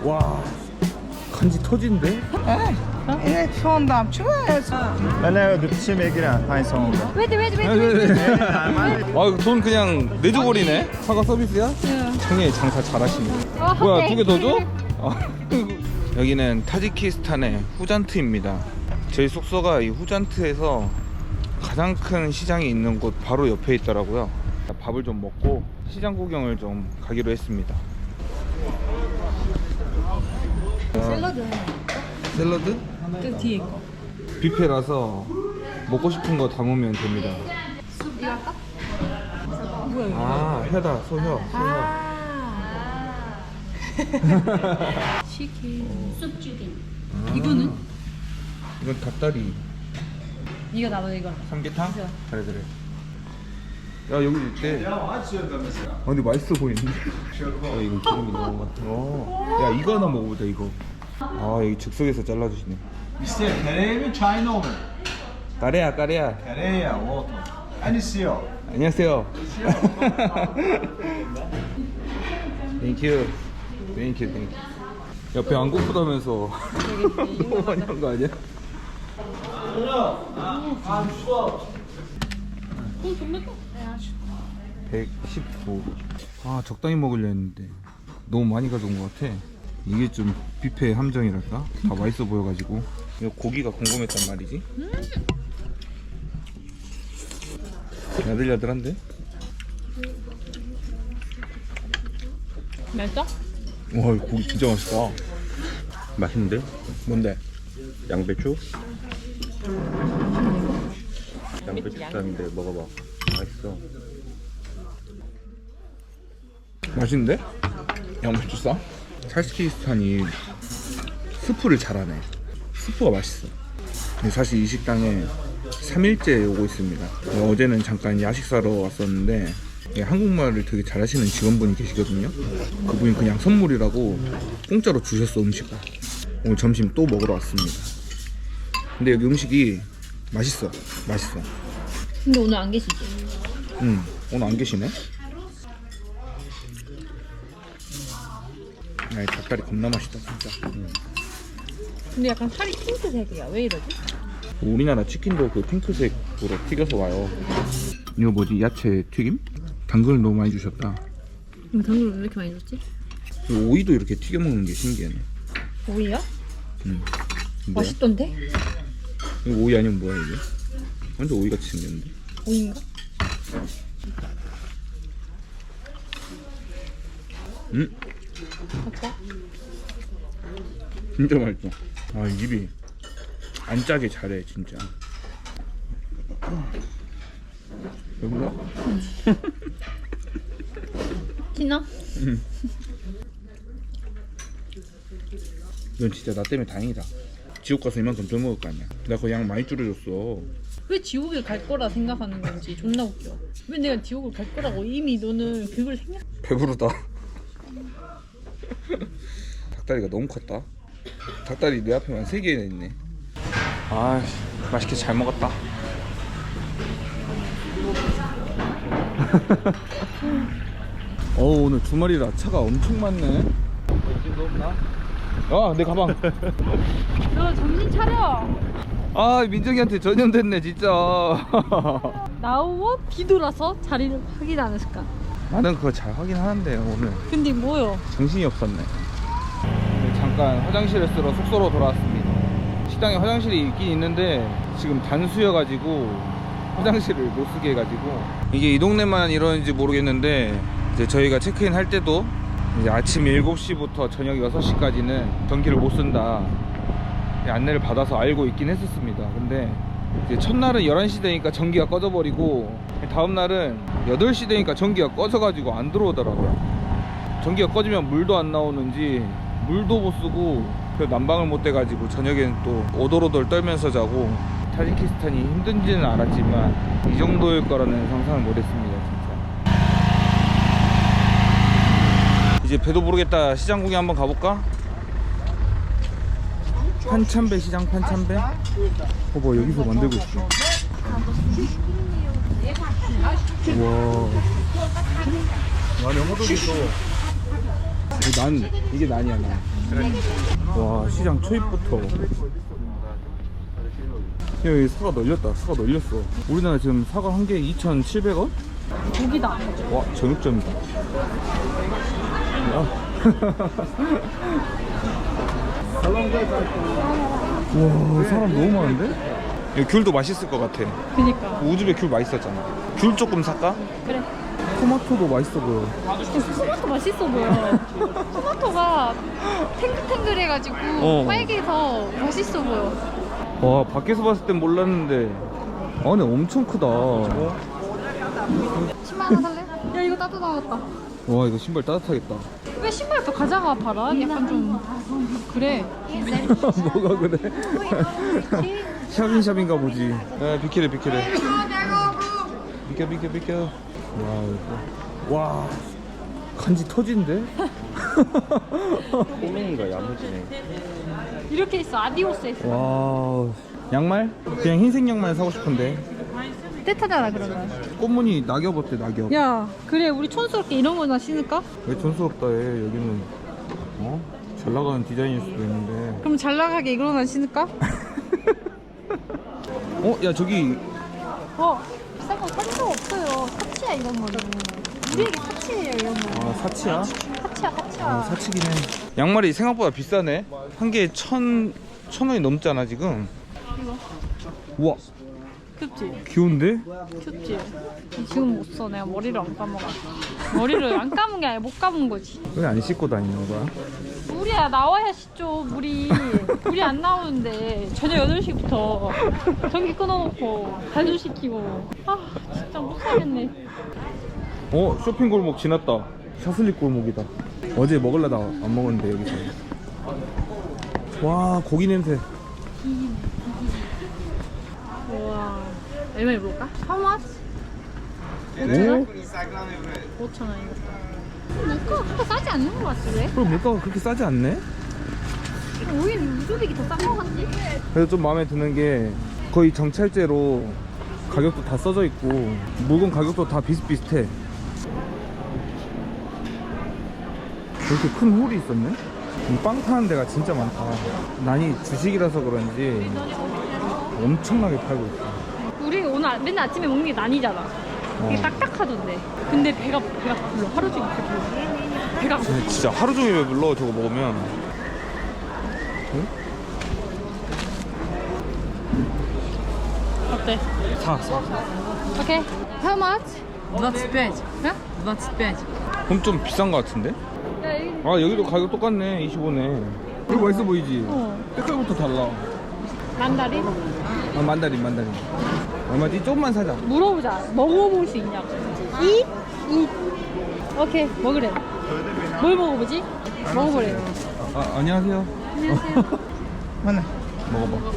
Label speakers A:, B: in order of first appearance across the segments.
A: 와, 간지 터진데?
B: Evet sondan çıkıyorsun.
C: Ben 늪치 맥이랑 파이송.
A: 아, 돈 그냥 내줘버리네. 사과 서비스야? 형이 장사 잘하시네. 뭐야, 두 개 더 줘? 여기는 타지키스탄의 후잔트입니다. 저희 숙소가 이 후잔트에서 가장 큰 시장이 있는 곳 바로 옆에 있더라고요. 밥을 좀 먹고 시장 구경을 좀 가기로 했습니다. 샐러드?
D: 그 뒤에 거.
A: 뷔페라서 먹고 싶은 거 담으면 됩니다.
D: 뭐야 이거?
A: 아, 혀다, 소혀.
D: 치킨. 쑥죽인. 이거는?
A: 이건 닭다리.
D: 네가 나도 이거.
A: 삼계탕? 그래. 야, 여기 있대. 근데 맛있어 보이는데? 이거 기름이 너무 많다. 야, 이거 하나 먹어보자, 이거. 아, 여기 즉석에서 잘라주시네.
C: İşte tereyağı mı çayını mı?
A: 까레야.
C: Tereyağı, oto. Anisiyo.
A: 안녕하세요. 땡큐. 야, 배 안 고프다면서. 너무 많이 한 거 아니야? 119. 아, 적당히 먹으려 했는데 너무 많이 가져온 것 같아. 이게 좀 뷔페의 함정이랄까? 다 맛있어 보여가지고. 이거 고기가 궁금했단 말이지. 야들야들한데?
D: 맛있어?
A: 와, 이거 고기 진짜 맛있다.
C: 맛있는데?
A: 뭔데?
C: 양배추? 양배추쌈인데 먹어봐. 맛있어.
A: 맛있는데? 양배추쌈? 타지키스탄이 스프를 잘하네. 스프가 맛있어. 근데 사실 이 식당에 3일째 오고 있습니다. 어제는 잠깐 야식 사러 왔었는데 한국말을 되게 잘하시는 직원분이 계시거든요. 그분이 그냥 선물이라고 공짜로 주셨어, 음식을. 오늘 점심 또 먹으러 왔습니다. 근데 여기 음식이 맛있어.
D: 근데 오늘 안 계시지?
A: 응, 오늘 안 계시네. 야, 이 닭다리 겁나 맛있다, 진짜.
D: 근데 약간 살이 핑크색이야. 왜 이러지?
A: 우리나라 치킨도 그 핑크색으로 튀겨서 와요. 이거 뭐지? 야채 튀김? 당근을 너무 많이 주셨다.
D: 당근을 왜 이렇게 많이 줬지?
A: 그리고 오이도 이렇게 튀겨 먹는 게 신기하네.
D: 오이야?
A: 뭐야?
D: 맛있던데?
A: 이거 오이 아니면 뭐야 이게? 완전 오이같이 생겼는데.
D: 오이인가? 아빠?
A: 진짜 맛있어. 아, 입이 안 짜게 잘해 진짜. 여보세요?
D: 티나?
A: 이건 진짜 나 때문에 다행이다. 지옥 가서 이만큼 더 먹을 거 아니야. 내가 그 양 많이 줄여줬어.
D: 왜 지옥을 갈 거라 생각하는 건지 존나 웃겨. 왜 내가 지옥을 갈 거라고 이미 너는 그걸 생각...
A: 배부르다. 닭다리가 너무 컸다. 닭다리 내 앞에만 3개나 있네. 아, 맛있게 잘 먹었다. 오늘 주말이라 차가 엄청 많네. 정신도 없나? 아, 내 가방.
D: 너 정신 차려!
A: 아, 민정이한테 전염됐네 진짜.
D: 나오고 뒤돌아서 자리를 확인 안 했을까?
A: 나는 그거 잘 확인하는데 오늘
D: 근데 뭐요?
A: 정신이 없었네. 잠깐 화장실을 쓰러 숙소로 돌아왔습니다. 식당에 화장실이 있긴 있는데 지금 단수여가지고 화장실을 못 쓰게 해가지고, 이게 이 동네만 이러는지 모르겠는데 이제 저희가 체크인 할 때도 이제 아침 7시부터 저녁 6시까지는 전기를 못 쓴다 안내를 받아서 알고 있긴 했었습니다. 근데 이제 첫날은 11시 되니까 전기가 꺼져버리고, 다음날은 8시 되니까 전기가 꺼져가지고 안 들어오더라고요. 전기가 꺼지면 물도 안 나오는지 물도 못 쓰고 난방을 못 돼가지고 저녁에는 또 오돌오돌 떨면서 자고. 타지키스탄이 힘든지는 알았지만 이 정도일 거라는 상상을 못했습니다 진짜. 이제 배도 부르겠다. 시장 구경 한번 가볼까? 판참배 시장, 판참배. 뭐 여기서 만들고 있어. 우와, 난 영어도 있어. 이게 난이야 난. 와 시장 초입부터 여기 사과 널렸다. 사과 널렸어. 우리나라 지금 사과 한 개에 2,700원?
D: 고기다.
A: 와 정육점이다. 야. 와 사람 너무 많은데? 여기 귤도 맛있을 것 같아.
D: 그니까.
A: 우즈베 귤 맛있었잖아. 귤 조금 살까?
D: 그래.
A: 토마토도 맛있어 보여.
D: 토마토 맛있어 보여. 토마토가 탱글탱글해가지고 빨개서 맛있어 보여.
A: 와 밖에서 봤을 땐 몰랐는데 안에 엄청 크다.
D: 10만 원 살래? 야 이거 따뜻하겠다.
A: 와 이거 신발 따뜻하겠다.
D: 왜 신발도 가져가 봐라. 약간 좀 그래.
A: 뭐가 그래? 샵인샵인가 보지. 야 비키래 비키래. 비켜. 와 간지 터진데?
C: 꼬맹이가 야무지네.
D: 이렇게 있어. 아디오스에 있어.
A: 와 양말? 그냥 흰색 양말 사고 싶은데.
D: 떼타잖아 그러면.
A: 꽃무늬 낙엽 어때 낙엽?
D: 야 그래 우리 촌스럽게 이런 거나 신을까?
A: 왜 촌스럽다 해. 여기는 어? 잘 나가는 디자인일 수도 있는데.
D: 그럼 잘 나가게 이거나 신을까?
A: 어? 야 저기
D: 비싼 거 사줄 거 없어요. 사치야 이런 거는. 우리에게 사치예요 이런 거.
A: 아 사치야?
D: 사치야.
A: 아 사치긴 해. 양말이 생각보다 비싸네. 한 개에 1,000원이 넘잖아 지금.
D: 이거
A: 우와
D: 큐지?
A: 귀여운데?
D: 큐지? 지금 못 써. 내가 머리를 안 감아가. 머리를 안 감은 게 아니라 못 감은 거지.
A: 왜 안 씻고 다니는 거야?
D: 물이야 나와야 씻죠. 물이 안 나오는데 저녁 8시부터 전기 끊어놓고 발효시키고 아 진짜 못 살겠네.
A: 쇼핑 골목 지났다. 샤슬릭 골목이다. 어제 먹으려다 안 먹었는데 여기서. 와 고기 냄새.
D: 우와 얼마 입을까? How much?
A: 오?
D: 5,000원이겠다. 물가가 그렇게 싸지 않는 것 같지 왜?
A: 그럼 물가가 그렇게 싸지 않네?
D: 오히려 우즈벡이 더 싼 것 같지?
A: 그래서 좀 마음에 드는 게 거의 정찰제로 가격도 다 써져 있고 물건 가격도 다 비슷비슷해. 이렇게 큰 홀이 있었네? 빵 파는 데가 진짜 많다. 난이 주식이라서 그런지 엄청나게 팔고 있어.
D: 우리 오늘 맨날 아침에 먹는 게 난이잖아. 이게 딱딱하던데. 근데 배가 불러. 하루 종일 배가 불러.
A: 근데 진짜 하루 종일 왜 불러 저거 먹으면. 응?
D: 어때?
A: 사.
D: 오케이. How much?
B: 25.
D: 야?
B: 25.
A: 그럼 좀 비싼 거 같은데?
D: 야, 여기
A: 아 여기도 가격 똑같네. 25네. 이거 맛있어 보이지? 색깔부터 달라.
D: 만다린?
A: 아 만다린. 얼마지? 조금만 사자.
D: 물어보자. 먹어볼 수 있냐고. 이? 오케이. 먹으래. 뭘 먹어보지? 먹어보래.
A: 아 안녕하세요.
D: 안녕하세요.
B: 하나.
A: 먹어봐.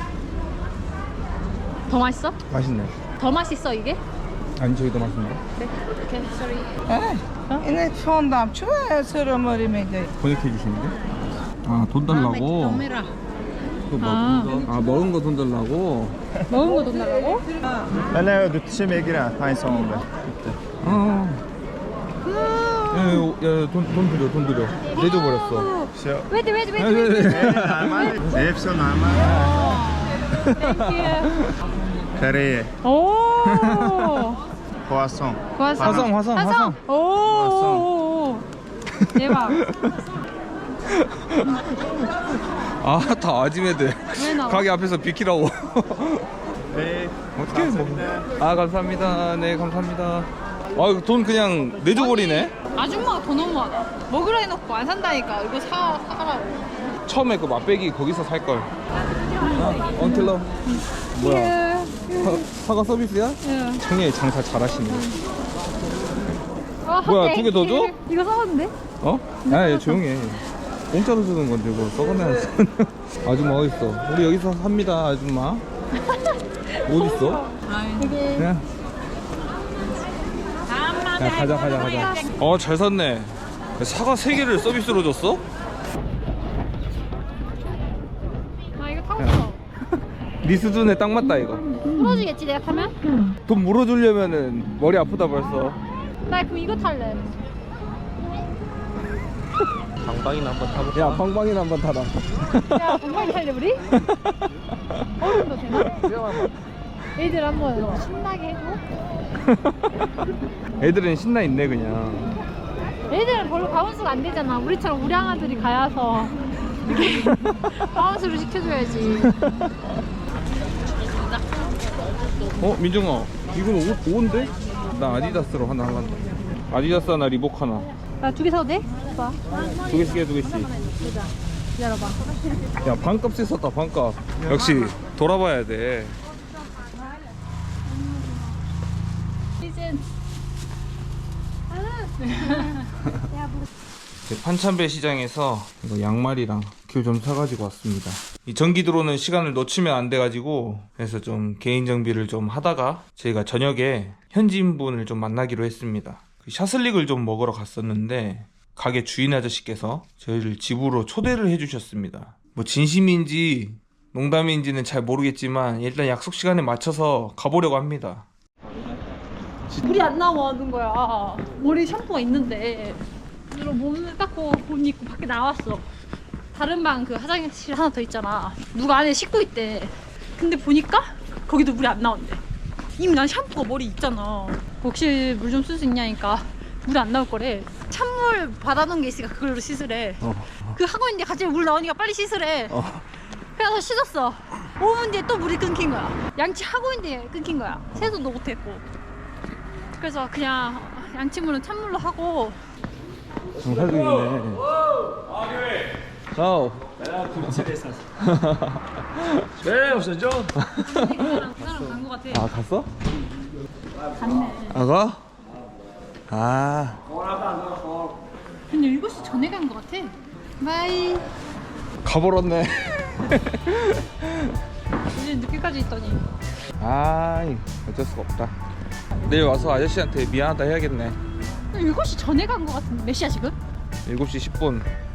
D: 더 맛있어?
A: 맛있네.
D: 더 맛있어 이게?
A: 아니 저기 더 맛있네.
D: 그래. 오케이. sorry.
B: 이네 추운다. 추워요. 서러머리면 이제.
A: 번역해 주시는데? 아 돈 달라고? 또 먹은 거 돈 달라고?
D: 먹은 거 돈 달라고?
C: Eller du smyger ta en sån där.
A: 돈 드려. 내줘버렸어.
C: Så
D: 웨이트.
C: närmare. Det är så närmare.
D: 땡큐.
C: Carré.
D: 오.
C: Croissant.
A: 화성.
D: 오. 대박.
A: 아 다 아지매들.
D: 왜 나와?
A: 가게 앞에서 비키라고.
C: Hej.
A: 어떻게 뭐? 아 감사합니다. 네 감사합니다. 아 돈 그냥 내줘버리네.
D: 아줌마가 더 너무하다. 먹으라 해놓고 안 산다니까. 이거 사가라고.
A: 처음에 그 맛배기 거기서 살 걸. 언틸러. 뭐야? 사과 서비스야?
D: 응.
A: 청년이 장사 잘하시네.
D: 아,
A: 뭐야, 두개더 줘?
D: 이거 사왔는데?
A: 어? 야, 조용히 해. 공짜로 주는 건데 뭐 썩어내야지. 아줌마 어딨어? 우리 여기서 삽니다 아줌마. 어딨어?
D: 여기.
A: 그냥 야 가자. 잘 샀네. 사과 3개를 서비스로 줬어?
D: 아 이거 타고 있어.
A: 네 수준에 딱 맞다 이거.
D: 풀어주겠지 내가 타면?
A: 돈 물어주려면은 머리 아프다 벌써.
D: 나 그럼 이거 탈래.
E: 방방이나 한번 타볼까?
A: 야 방방이나 한번 타라.
D: 야, 정말 탈래 우리? 어른도 되나? 애들 한번 신나게 해줘.
A: 애들은 신나 있네 그냥.
D: 애들은 별로 바운스가 안 되잖아. 우리처럼 우량아들이 가야서 이렇게 바운스를 시켜줘야지.
A: 민정아 이건 옷인데? 나 아디다스로 하나 할란다. 아디다스 하나 리복 하나.
D: 나 2개 사도 돼? 오빠.
A: 2개씩 해 2개씩.
D: 기다려봐.
A: 야 반값에 썼다 반값. 역시 돌아봐야 돼.
D: 시즌.
A: 판참배 시장에서 이거 양말이랑 귤 좀 사가지고 왔습니다. 이 전기 들어오는 시간을 놓치면 안 돼가지고 그래서 좀 개인 정비를 좀 하다가 저희가 저녁에 현지인분을 좀 만나기로 했습니다. 그 샤슬릭을 좀 먹으러 갔었는데 가게 주인 아저씨께서 저희를 집으로 초대를 해주셨습니다. 뭐 진심인지 농담인지는 잘 모르겠지만 일단 약속 시간에 맞춰서 가보려고 합니다.
D: 물이 안 나오는 거야. 머리 샴푸가 있는데 그리고 몸을 닦고 옷 입고 밖에 나왔어. 다른 방 그 화장실 하나 더 있잖아. 누가 안에 씻고 있대. 근데 보니까 거기도 물이 안 나온대. 이미 난 샴푸가 머리 있잖아. 혹시 물 좀 쓸 수 있냐니까 물이 안 나올 거래. 찬물 받아놓은 게 있으니까 그걸로 씻으래. 그 하고 있는데 갑자기 물 나오니까 빨리 씻으래. 그래서 씻었어. 5분 뒤에 또 물이 끊긴 거야. 양치 하고 있는데 끊긴 거야. 세수도 못했고. 그래서 그냥 양치물은 찬물로 하고.
A: 장사 중이네. 자오.
E: 네, 없었죠?
D: 그거랑 간 거 같아.
A: 아 갔어?
D: 갔네.
A: 아가? 아
D: 근데 7시 전에 간 거 같아. 바이.
A: 가버렸네.
D: 이제 늦게까지 있더니.
A: 아이 어쩔 수가 없다. 내일 와서 아저씨한테 미안하다 해야겠네.
D: 7시 전에 간 거 같은데 몇 시야 지금?
A: 7시 10분.